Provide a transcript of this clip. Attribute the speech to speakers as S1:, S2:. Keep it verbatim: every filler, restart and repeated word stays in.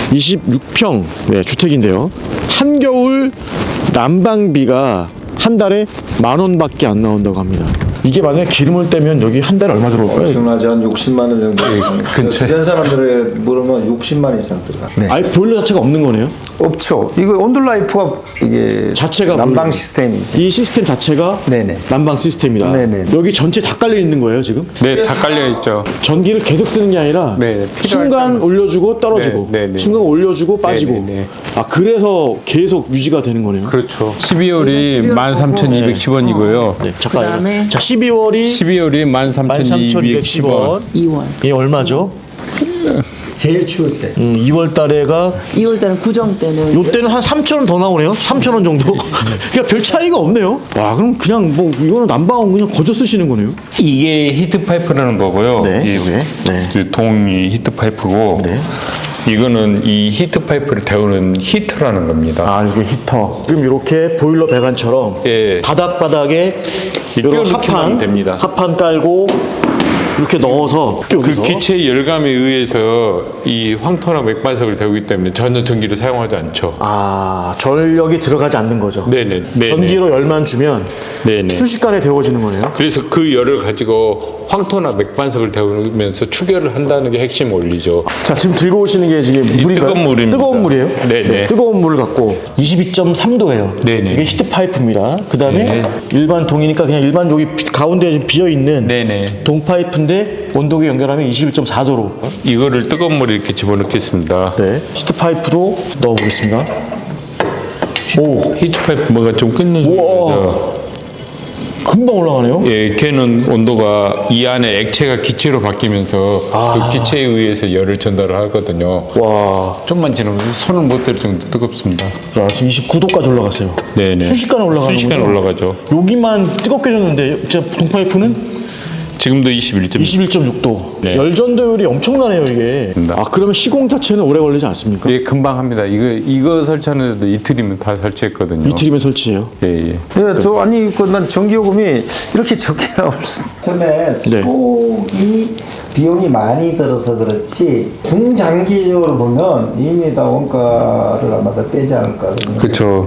S1: 이십육 평 네, 주택인데요. 한겨울 난방비가 한 달에 만 원밖에 안 나온다고 합니다. 이게 만약에 기름을 떼면 여기 한 달에 얼마 들어올까요?
S2: 엄청나지 한 육십만 원 정도.
S3: 근처에.
S2: 주변 사람들에 물으면 육십만 원 이상 들어가.
S3: 네.
S1: 아예 보일러 자체가 없는 거네요.
S2: 없죠. 이거 온돌라이프가 이게
S1: 자체가
S2: 난방
S1: 보일러.
S2: 시스템이지.
S1: 이 시스템 자체가
S2: 네네.
S1: 난방 시스템이다.
S2: 네네.
S1: 여기 전체 다 깔려 있는 거예요 지금?
S3: 네, 다 깔려 있죠.
S1: 전기를 계속 쓰는 게 아니라
S3: 네, 필요할
S1: 순간
S3: 때는.
S1: 올려주고 떨어지고
S3: 네, 네, 네.
S1: 순간 올려주고 빠지고
S3: 네, 네, 네.
S1: 아 그래서 계속 유지가 되는 거네요.
S3: 그렇죠. 십이월이 만 삼천이백십 원이고요.
S1: 네, 잠깐만요.
S4: 그다음에
S1: 자 십이월이
S3: 십이월이 만 삼천이백십 원.
S1: 이월. 이게 얼마죠?
S2: 제일 추울 때.
S1: 음, 이월 달에가
S4: 이월 달은 구정 때는
S1: 요때는 한 삼천 원 더 나오네요. 삼천 원 정도. 그러니까 별 차이가 없네요. 와, 그럼 그냥 뭐 이거는 난방은 그냥 거저 쓰시는 거네요.
S3: 이게 히트 파이프라는 거고요.
S1: 네,
S3: 이
S1: 이게. 네.
S3: 그 동이 히트 파이프고
S1: 네.
S3: 이거는 이 히트 파이프를 데우는 히터라는 겁니다.
S1: 아, 이게 히터. 지금 이렇게 보일러 배관처럼
S3: 예.
S1: 바닥 바닥에 이런
S3: 끼워넣기만
S1: 합판
S3: 하면 됩니다.
S1: 합판 깔고 이렇게 넣어서
S3: 그
S1: 여기서
S3: 기체의 열감에 의해서 이 황토나 맥반석을 데우기 때문에 전혀 전기를 사용하지 않죠.
S1: 아, 전력이 들어가지 않는 거죠.
S3: 네네. 네네.
S1: 전기로 열만 주면
S3: 네네.
S1: 순식간에 데워지는 거네요.
S3: 그래서 그 열을 가지고 황토나 맥반석을 데우면서 추결을 한다는 게 핵심 원리죠.
S1: 자, 지금 들고 오시는 게 지금
S3: 이
S1: 물인가요?
S3: 뜨거운 물입니다.
S1: 뜨거운 물이에요?
S3: 네네.
S1: 뜨거운 물을 갖고 이십이 점 삼 도예요.
S3: 네네.
S1: 이게 히트 파이프입니다. 그다음에
S3: 네.
S1: 일반 동이니까 그냥 일반 여기 비- 가운데 좀 비어 있는
S3: 네네.
S1: 동 파이프인데 온도계 연결하면 이십일 점 사 도로.
S3: 이거를 뜨거운 물에 이렇게 집어넣겠습니다.
S1: 네. 히트 파이프도 넣어 보겠습니다. 오,
S3: 히트 파이프 뭐가 좀 끊는
S1: 우와.
S3: 소리죠.
S1: 금방 올라가네요.
S3: 예, 걔는 온도가 이 안에 액체가 기체로 바뀌면서
S1: 아.
S3: 그 기체에 의해서 열을 전달을 하거든요.
S1: 와.
S3: 좀만 지나면 손을 못 댈 정도 뜨겁습니다.
S1: 자, 지금 이십구 도까지 올라갔어요.
S3: 네네.
S1: 순식간에 올라가는
S3: 순식간에
S1: 거죠?
S3: 올라가죠.
S1: 여기만 뜨겁게 졌는데 진짜 동 파이프는
S3: 지금도 이십일 점.
S1: 이십일 점 육 도.
S3: 네.
S1: 열전도율이 엄청나네요, 이게. 아, 그러면 시공 자체는 오래 걸리지 않습니까?
S3: 예, 금방 합니다. 이거 이거 설치하는데도 이틀이면 다 설치했거든요.
S1: 이틀이면 설치해요.
S3: 예, 예.
S2: 예, 저 아니 그 난 전기요금이 이렇게 적게 나올 수. 처음에
S1: 네.
S2: 초기 비용이 많이 들어서 그렇지 중장기적으로 보면 이미 다 원가를 아마 다 빼지 않을까.
S3: 그렇죠.